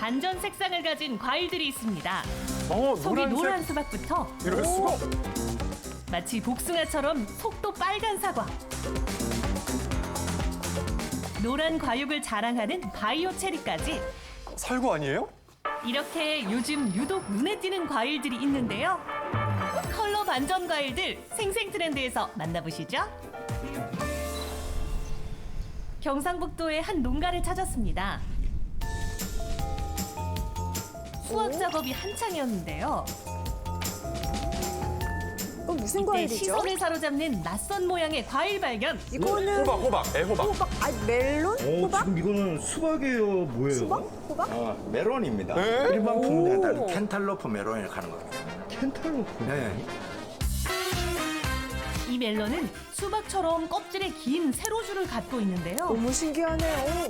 반전 색상을 가진 과일들이 있습니다. 속이 노란색. 노란 수박부터 이럴 수가. 마치 복숭아처럼 속도 빨간 사과. 노란 과육을 자랑하는 바이오 체리까지 살구 아니에요? 이렇게 요즘 유독 눈에 띄는 과일들이 있는데요. 컬러 반전 과일들 생생 트렌드에서 만나보시죠. 경상북도의 한 농가를 찾았습니다. 수확 작업이 한창이었는데요. 무슨 이때 과일이죠? 시선을 사로잡는 낯선 모양의 과일 발견. 이거는 호박, 애호박. 호박, 멜론? 호박? 지금 이거는 수박이에요, 뭐예요? 수박? 호박? 메론입니다. 네? 일반 오. 품종에 따른 켄탈로프 메론이라고 하는 겁니다. 켄탈로프. 네. 이 멜론은 수박처럼 껍질에 긴 세로줄을 갖고 있는데요. 너무 신기하네요.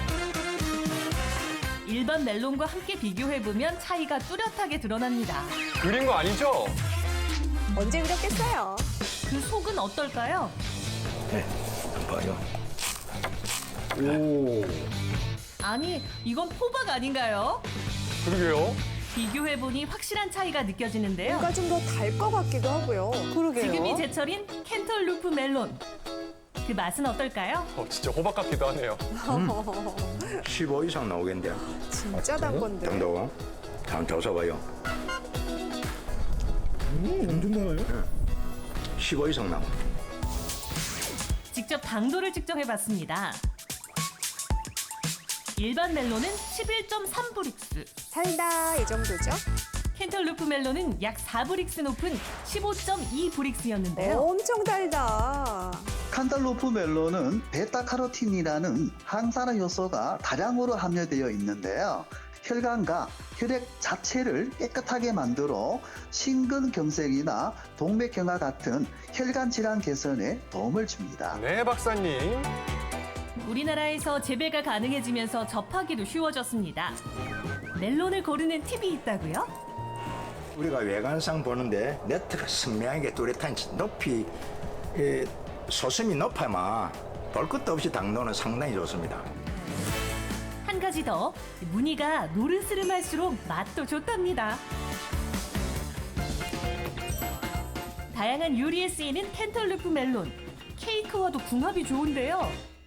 일반 멜론과 함께 비교해보면 차이가 뚜렷하게 드러납니다. 그린 거 아니죠? 언제 그렸겠어요? 그 속은 어떨까요? 네. 봐요. 오. 아니, 이건 호박 아닌가요? 그러게요. 비교해보니 확실한 차이가 느껴지는데요. 뭔가 좀 더 달 것 같기도 하고요. 그러게요. 지금이 제철인 캔털루프 멜론. 그 맛은 어떨까요? 진짜 호박 같기도 하네요. 15 이상 나오겠는데요. 진짜 단 건데. 정도. 다음 조사봐요. 엄청 많아요? 15 이상 나와. 직접 당도를 측정해봤습니다. 일반 멜론은 11.3브릭스, 살다 이 정도죠? 캔털루프 멜론은 약 4브릭스 높은 15.2브릭스였는데요. 엄청 달다. 칸달로프 멜론은 베타카로틴이라는 항산화 요소가 다량으로 함유되어 있는데요. 혈관과 혈액 자체를 깨끗하게 만들어 심근경색이나 동맥경화 같은 혈관 질환 개선에 도움을 줍니다. 네, 박사님. 우리나라에서 재배가 가능해지면서 접하기도 쉬워졌습니다. 멜론을 고르는 팁이 있다고요? 우리가 외관상 보는데 네트가 선명하게 뚜렷한 높이 소심이 높아야만 볼 것도 없이 당도는 상당히 좋습니다. 한 가지 더, 무늬가 노르스름할수록 맛도 좋답니다. 다양한 요리에 쓰이는 캔털루프 멜론, 케이크와도 궁합이 좋은데요.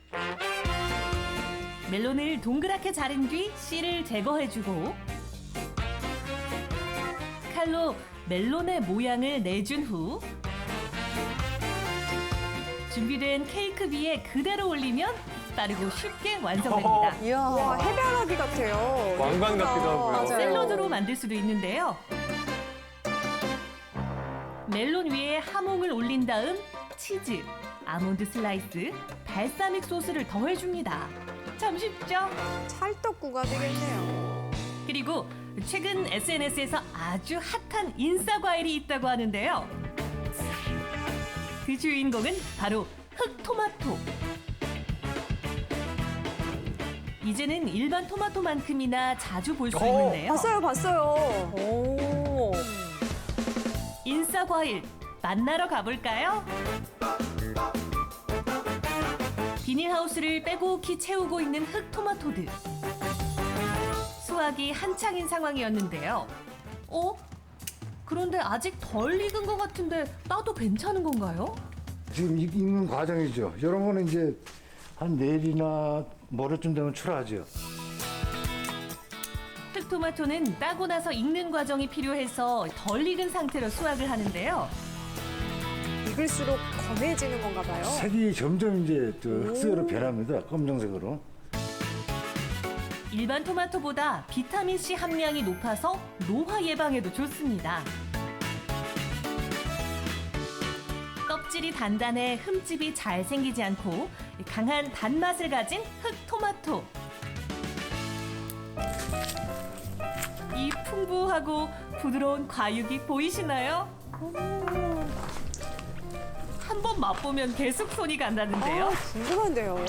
멜론을 동그랗게 자른 뒤 씨를 제거해주고 칼로 멜론의 모양을 내준 후 준비된 케이크 위에 그대로 올리면 빠르고 쉽게 완성됩니다. 이야, 와, 해바라기 같아요. 왕관 같기도 하고요. 맞아요. 샐러드로 만들 수도 있는데요. 멜론 위에 하몽을 올린 다음 치즈, 아몬드 슬라이스, 발사믹 소스를 더해줍니다. 참 쉽죠? 찰떡구가 되겠네요. 그리고 최근 SNS에서 아주 핫한 인싸 과일이 있다고 하는데요. 그 주인공은 바로 흑토마토. 이제는 일반 토마토만큼이나 자주 볼 수 있는데요. 봤어요. 오. 인싸 과일 만나러 가볼까요? 비닐하우스를 빼곡히 채우고 있는 흑토마토들. 수확이 한창인 상황이었는데요. 그런데 아직 덜 익은 것 같은데 따도 괜찮은 건가요? 지금 익는 과정이죠. 이런 거는 이제 한 내일이나 모레쯤 되면 출하하죠. 흑토마토는 따고 나서 익는 과정이 필요해서 덜 익은 상태로 수확을 하는데요. 익을수록 검해지는 건가 봐요. 색이 점점 이제 흑색으로 변합니다. 검정색으로. 일반 토마토보다 비타민C 함량이 높아서 노화 예방에도 좋습니다. 껍질이 단단해 흠집이 잘 생기지 않고 강한 단맛을 가진 흑토마토. 이 풍부하고 부드러운 과육이 보이시나요? 한 번 맛보면 계속 손이 간다는데요. 궁금한데요.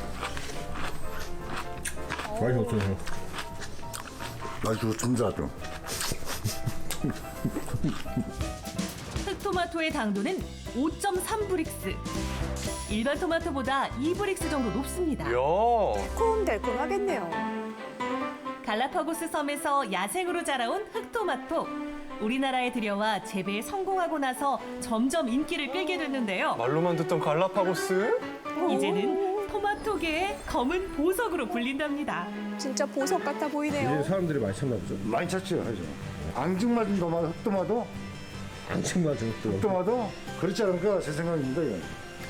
맛이 어떠세요? 맛이 좋습니다, 좀. 흑토마토의 당도는 5.3브릭스. 일반 토마토보다 2브릭스 정도 높습니다. 이야. 달콤달콤하겠네요. 갈라파고스 섬에서 야생으로 자라온 흑토마토. 우리나라에 들여와 재배에 성공하고 나서 점점 인기를 끌게 됐는데요. 말로만 듣던 갈라파고스? 이제는 토마토계의 검은 보석으로 불린답니다. 진짜 보석 같아 보이네요. 사람들이 많이 찾나 보죠. 많이 찾죠, 하죠. 앙증맞은 도마도, 흑도마도, 안친맞은 것도. 흑도마도 그렇지 않을까 제 생각입니다. 이건.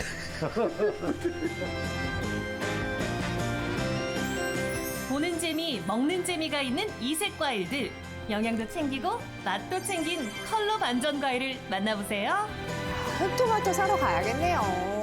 보는 재미, 먹는 재미가 있는 이색 과일들. 영양도 챙기고 맛도 챙긴 컬러 반전 과일을 만나보세요. 흑토마토 사러 가야겠네요.